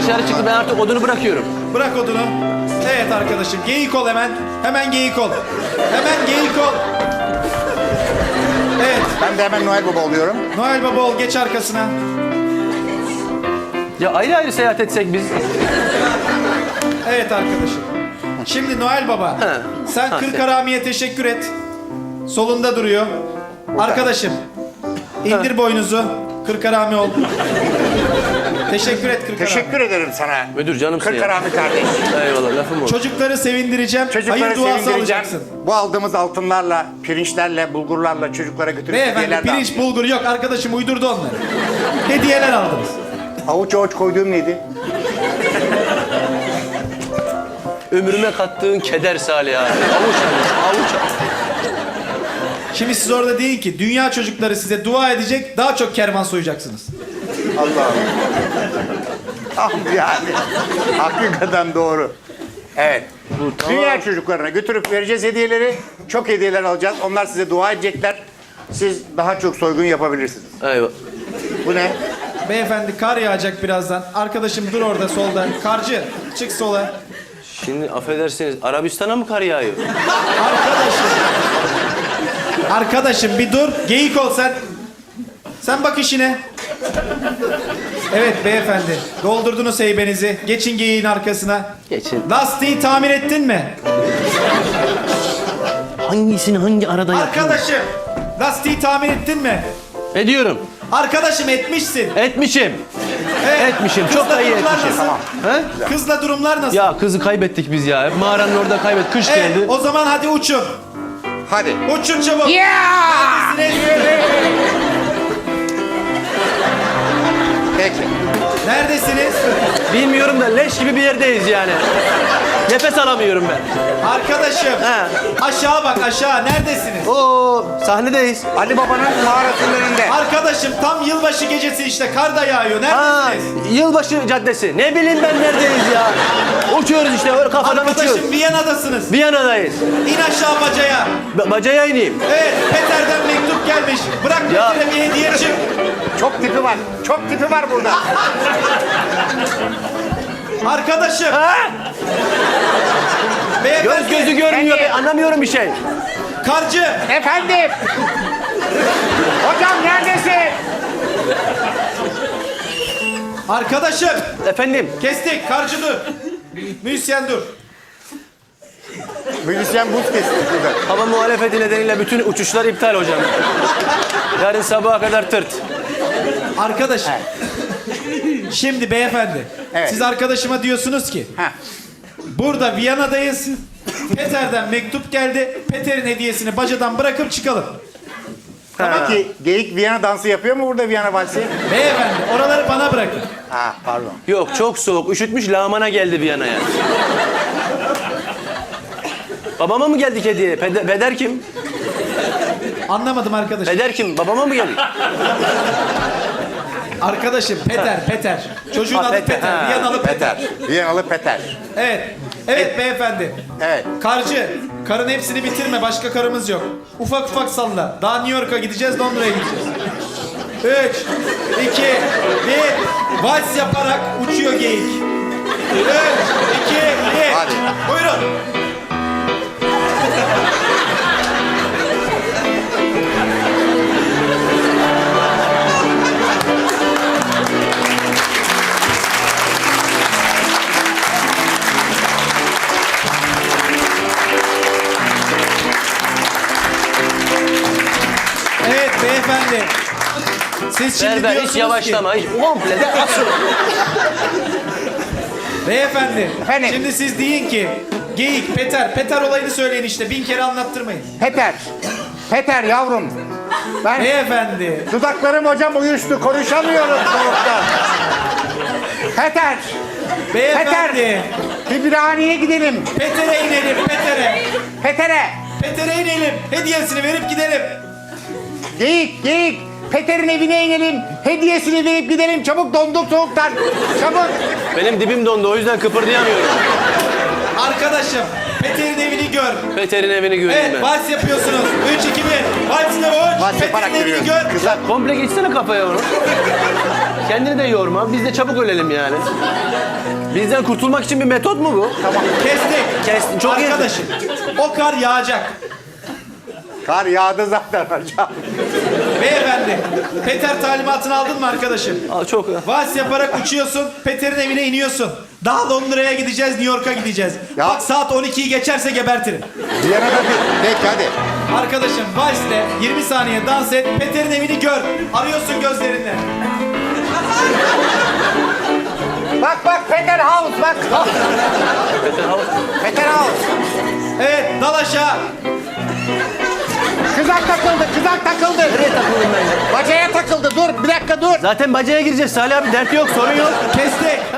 dışarı çıktı. Ben artık odunu bırakıyorum. Bırak odunu. Evet arkadaşım. Geyik ol hemen. Hemen geyik ol. Hemen geyik ol. Evet. Ben de hemen Noel Baba oluyorum. Noel Baba ol. Geç arkasına. Ya ayrı ayrı seyahat etsek biz. Evet arkadaşım. Şimdi Noel Baba. Sen Kırk Harami'ye teşekkür et. Solunda duruyor. Arkadaşım. İndir boynuzu. Kırk Harami ol. Teşekkür et Kırk Harami. Teşekkür ederim sana. Müdür canımsın Kırk ya. Harami kardeş. Eyvallah lafım o. Çocukları sevindireceğim. Çocukları Hayır duası sevindireceğim. alacaksın. Bu aldığımız altınlarla, pirinçlerle, bulgurlarla çocuklara götürüp Beyefendi hediyeler pirinç dağıtacağız. bulgur yok. Arkadaşım uydurdu onları. Hediyeler aldınız. Avuç avuç koyduğum neydi? Ömrüme kattığın keder Salih abi. Avuç avuç. Şimdi siz orada deyin ki dünya çocukları size dua edecek, daha çok kervan soyacaksınız. Allah'ım. Ah yani. Hakikaten doğru. Evet. tamam. Dünya çocuklarına götürüp vereceğiz hediyeleri. Çok hediyeler alacağız. Onlar size dua edecekler. Siz daha çok soygun yapabilirsiniz. Eyvallah. Bu ne? Beyefendi kar yağacak birazdan. Arkadaşım dur orada solda. Karcı çık sola. Şimdi affedersiniz Arabistan'a mı kar yağıyor? Arkadaşım. Arkadaşım bir dur. Geyik ol sen. Sen bak işine. Evet beyefendi. Doldurdunuz heybenizi. Geçin geyiğin arkasına. Geçin. Lastiği tamir ettin mi? Hangisini hangi arada yaptın? Arkadaşım. Lastiği tamir ettin mi? Ediyorum. Arkadaşım etmişsin. Etmişim. Evet. Etmişim. Çok da iyi Kızla durumlar etmişim. nasıl? He? Kızla durumlar nasıl? Ya kızı kaybettik biz ya. Hep mağaranın orada kaybettik. Kış Evet, geldi. o zaman hadi uçun. Hadi. Uçun çabuk. Neredesiniz? Peki. Neredesiniz? Bilmiyorum da leş gibi bir yerdeyiz yani. Nefes alamıyorum ben. Arkadaşım. He. Aşağı bak aşağı. Neredesiniz? Oo, sahnedeyiz. Ali Baba'nın mağarasının önünde. Arkadaşım tam yılbaşı gecesi işte. Kar da yağıyor. Ha, Neredesiniz? yılbaşı caddesi. Ne bileyim ben neredeyiz ya. Uçuyoruz işte öyle kafadan uçuyoruz. Arkadaşım Viyana'dasınız. Viyana'dayız. İn aşağı bacaya. Bacaya ineyim. Evet Peter'den mektup gelmiş. Bırak Ya. Peter'e bir hediye çık. Çok tipi var. Çok tipi var burada. Arkadaşım. Ha? Beyefendi. Göz gözü görmüyor. Ben anlamıyorum bir şey. Karcı. Efendim. Hocam neredesin? Arkadaşım. Efendim. Kestik. Karcı dur. Müzisyen dur. Müzisyen buz kesti burada. Hava muhalefeti nedeniyle bütün uçuşlar iptal hocam. Yarın sabaha kadar tırt. Arkadaşım. Şimdi beyefendi. Evet. Siz arkadaşıma diyorsunuz ki Heh. burada Viyana'dayız. Peter'den mektup geldi. Peter'in hediyesini bacadan bırakıp çıkalım. Peki geyik Viyana dansı yapıyor mu burada Viyana valsi? Beyefendi oraları bana bırakın. Ha pardon. Yok çok soğuk. Üşütmüş lağmana geldi Viyana'ya. Babama mı geldik hediye? Peder kim? Anlamadım arkadaşım. Peder kim? Babama mı geldik? Arkadaşım Peter. Çocuğun Ha, adı Peter. ha, Viyanalı Peter. Viyanalı Peter. Evet. Evet beyefendi. Evet. Karcı, karın hepsini bitirme. Başka karımız yok. Ufak ufak salla. Daha New York'a gideceğiz, Londra'ya gideceğiz. 3, 2, 1. Vals yaparak uçuyor geyik. 3, 2, 1. Hadi. Buyurun. Evet beyefendi. Siz şimdi Berber hiç diyorsunuz yavaşlama. ki... Hiç komple de asıl. Beyefendi. Efendim? Şimdi siz deyin ki... Geyik, Peter olayını söyleyin işte. 1000 kere anlattırmayın. Peter. Peter yavrum. Ben Beyefendi. dudaklarım hocam uyuştu. Konuşamıyorum soğukta. Peter. Beyefendi. Bir birhaneye gidelim. Peter'e inelim, Peter'e. Peter'e. Peter'e inelim. Hediyesini verip gidelim. Geyik. Peter'in evine inelim. Hediyesini verip gidelim. Çabuk donduk soğuktan. Çabuk. Benim dibim dondu o yüzden kıpırdayamıyorum. Arkadaşım, Peter'in evini gör. Peter'in evini göreyim Evet, ben. vals yapıyorsunuz. 3, 2, 1. Valsine boş. Vals yaparak Peter'in evini yürüyoruz. gör. Kızlar. Komple geçsene kafaya onu. Kendini de yorma. Biz de çabuk ölelim yani. Bizden kurtulmak için bir metot mu bu? Tamam. Kestik. Kestin, çok iyi. Arkadaşım o kar yağacak. Kar yağdı zaten hocam. Beyefendi Peter talimatını aldın mı arkadaşım? Aa, çok. Vals yaparak uçuyorsun. Peter'in evine iniyorsun. Daha Londra'ya gideceğiz, New York'a gideceğiz. Ya. Bak saat 12'yi geçerse gebertirim. Viyana'da bir... Peki hadi. Arkadaşım valsle 20 saniye dans et. Peter'in evini gör. Arıyorsun gözlerinle. Bak bak Peter House bak. Peter House. Evet dal aşağı. Kızak takıldı, kızak takıldı. Nereye takıldın ben ya? Bacaya takıldı. Dur, bir dakika dur. Zaten bacaya gireceğiz Salih abi. Dert yok, sorun yok. Kestik.